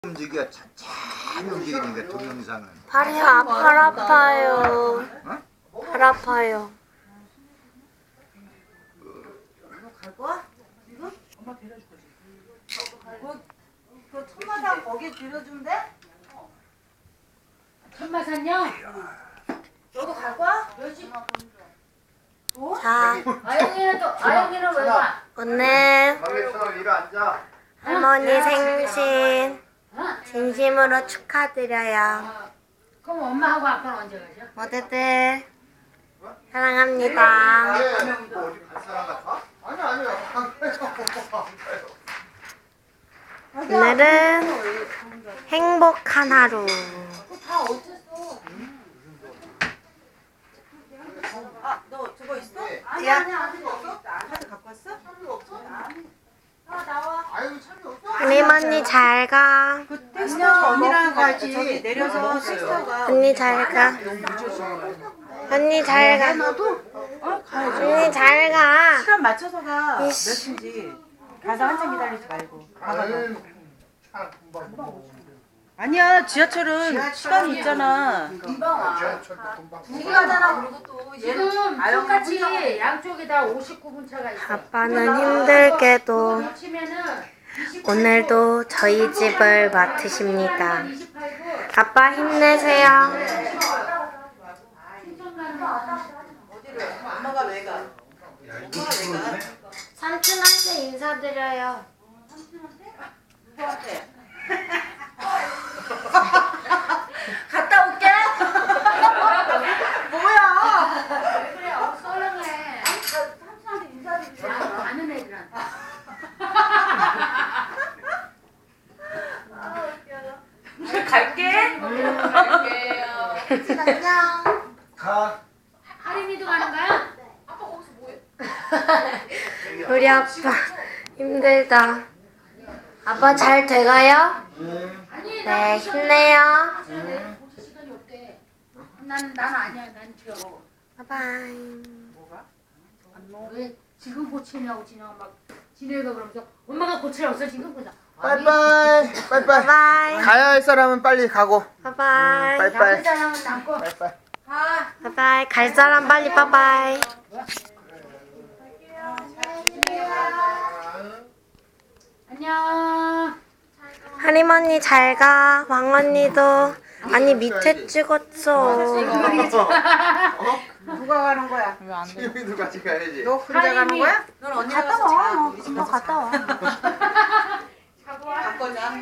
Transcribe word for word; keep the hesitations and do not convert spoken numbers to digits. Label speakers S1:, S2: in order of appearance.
S1: 움직여 천천히 움직이니까 동영상은.
S2: 발이 아, 발 아파요.
S1: 어?
S2: 발 아파요.
S3: 너 갈 거야? 지금? 엄마 데려줄 거지. 그, 그 천마산 거기 데려주면 돼?
S4: 천마산요?
S3: 너도 갈 거야? 어?
S2: 자,
S4: 아영이는 또 아영이는 왜 가?
S2: 오늘
S1: 막내처럼 이리 앉아.
S2: 할머니 생신
S4: 어?
S2: 진심으로 축하드려요.
S4: 그럼 엄마하고 아빠는 언제 가죠?
S2: 모두들 사랑합니다.
S1: 뭐 어디 갈 사람 같아? 아니 아니요.
S2: 오늘은 행복한 하루.
S4: 다 어땠어?
S3: 아, 너 저거 있어?
S4: 아니
S3: 야.
S4: 아니 아니 없어.
S3: 카드 갖고 왔어?
S4: 아 나와.
S2: 할머니 잘 가.
S3: 그 택시 타고 언니랑 가지. 내려서 택시 타고 가.
S2: 언니 잘 가. 언니 잘 가.
S3: 너도? 어, 가야지.
S2: 언니 잘 가.
S3: 시간 맞춰서 가. 몇
S2: 이씨.
S3: 시인지. 가서 한참 기다리지 말고. 가봐. 아니야, 지하철은 시간이 있잖아.
S4: 금방 와.
S3: 두 가잖아. 그리고 또
S4: 지금 똑같이 양쪽에다 오십구 분 차가 있어.
S2: 아빠는 힘들게도
S4: 치면은
S2: 오늘도 저희 집을 맡으십니다.
S4: 이십팔 분.
S2: 아빠 힘내세요.
S4: 신청 가는 거.
S3: 어디를? 엄마가 왜 가? 엄마가 왜 가?
S2: 삼촌한테 인사드려요.
S3: 누구한테? 갔다 올게. 뭐야?
S4: 왜 그래? 어, 썰렁해.
S3: 삼촌한테 인사드리잖아.
S4: 아는 애들한테.
S3: 갈게.
S4: 갈게요.
S2: 안녕.
S1: 가.
S4: 하림이도 가는 거야?
S2: 우리 아빠 힘들다. 아빠 잘 돼가요?
S4: 아니
S2: 네, 힘내요.
S4: 볼 시간이 없대. 난, 난 아니야. 난 저.
S2: 바이바이.
S4: 왜 지금 고치냐고 지나가 막 지내가 그러면서 엄마가 고치라고 했어 지금 그래서
S5: 빠이빠이 빠이빠이
S2: 바이바이.
S5: 가야 할 사람은 빨리 가고
S2: 바이바이.
S5: 빠이빠이
S4: 남은 사람은 남고
S5: 빠이빠이
S2: 바이바이. 갈 사람 빨리 바이바이.
S4: 안녕.
S2: 할머니 잘 가. 왕언니도. 아니 밑에 찍었어.
S3: 누가 가는 거야?
S1: 지금이도 같이 가야지.
S3: 너 혼자 가는
S4: 하림이.
S3: 거야? 넌 언니랑
S2: 갔다
S3: 가서
S2: 와.
S3: 자. 우리 집
S2: 너
S3: 가서
S2: 갔다 와.
S3: 바꿔자.